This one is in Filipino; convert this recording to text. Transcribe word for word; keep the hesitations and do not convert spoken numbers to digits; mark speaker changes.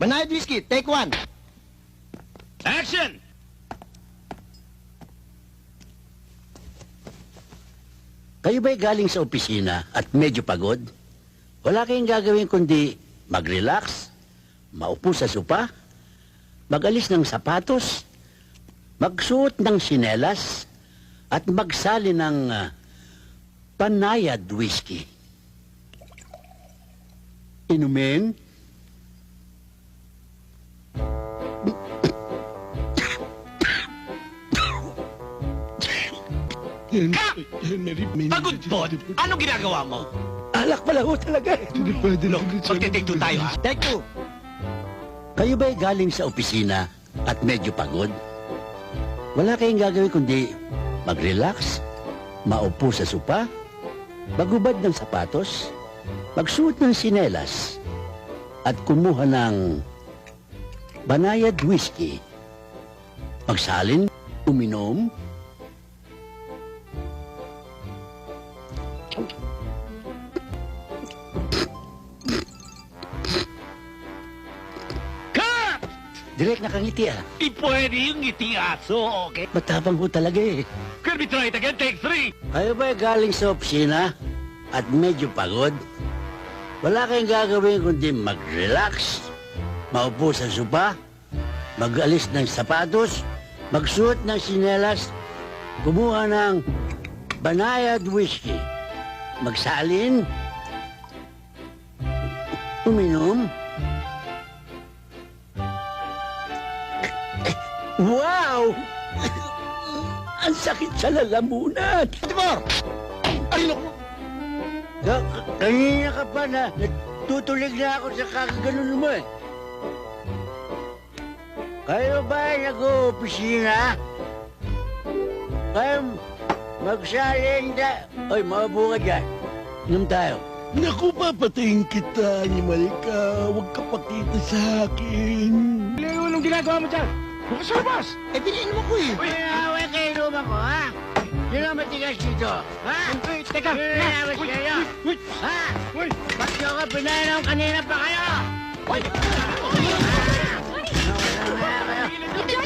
Speaker 1: Banayad whiskey, take one.
Speaker 2: Action!
Speaker 3: Kayo ba'y galing sa opisina at medyo pagod? Wala kayong gagawin kundi mag-relax, maupo sa sopa, mag-alis ng sapatos, magsuot ng sinelas, at magsali ng uh, panayad whiskey. Inumin?
Speaker 2: Kap! Pagod po! Ano ginagawa mo?
Speaker 3: Alak pala ho talaga eh.
Speaker 2: Look, magte-take two tayo ha.
Speaker 1: Take two.
Speaker 3: Kayo ba'y galing sa opisina at medyo pagod? Wala kayong gagawin kundi mag-relax, maupo sa sopa, magubad ng sapatos, magsuot ng sinelas, at kumuha ng banayad whiskey. Magsalin, uminom,
Speaker 2: Kap!
Speaker 3: direct nakangiti ah.
Speaker 2: Di pwede yung ngiti aso, okay?
Speaker 3: Matapang ho talaga eh.
Speaker 2: Can we try it again? Take three!
Speaker 3: Kayo ba'y galing sa opisina at medyo pagod? Wala kayong gagawin kundi mag-relax, maupo sa sopa, mag-alis ng sapatos, magsuot ng sinelas, kumuha ng banayad whiskey, magsalin, uminom. Wow! Ang sakit sa lalamunan.
Speaker 1: Timor! Ay, naku!
Speaker 3: Ka- kanina ka pa na natutulig na ako sa kakaganon mo eh. Kayo ba ay nag-opisina? Kayo magsalin da... Oy, maupo ka dyan. Inom tayo.
Speaker 4: Naku, papatayin kita, animal ka. Huwag ka pakita sa akin.
Speaker 2: Leo, anong ginagawa mo dyan? Bukas sa labas!
Speaker 1: Eh, piniinom ako eh.
Speaker 3: Uy, away kayo inuman ko, ha? Sino ang matigas dito? Ha?
Speaker 2: Uy, teka!
Speaker 3: Sino nawas kayo?
Speaker 2: Uy!
Speaker 3: Ha?
Speaker 2: Uy!
Speaker 3: Ba't nyo ka pinainom kanina pa kayo?
Speaker 2: Uy!
Speaker 3: Nawala na kayo.
Speaker 5: Ito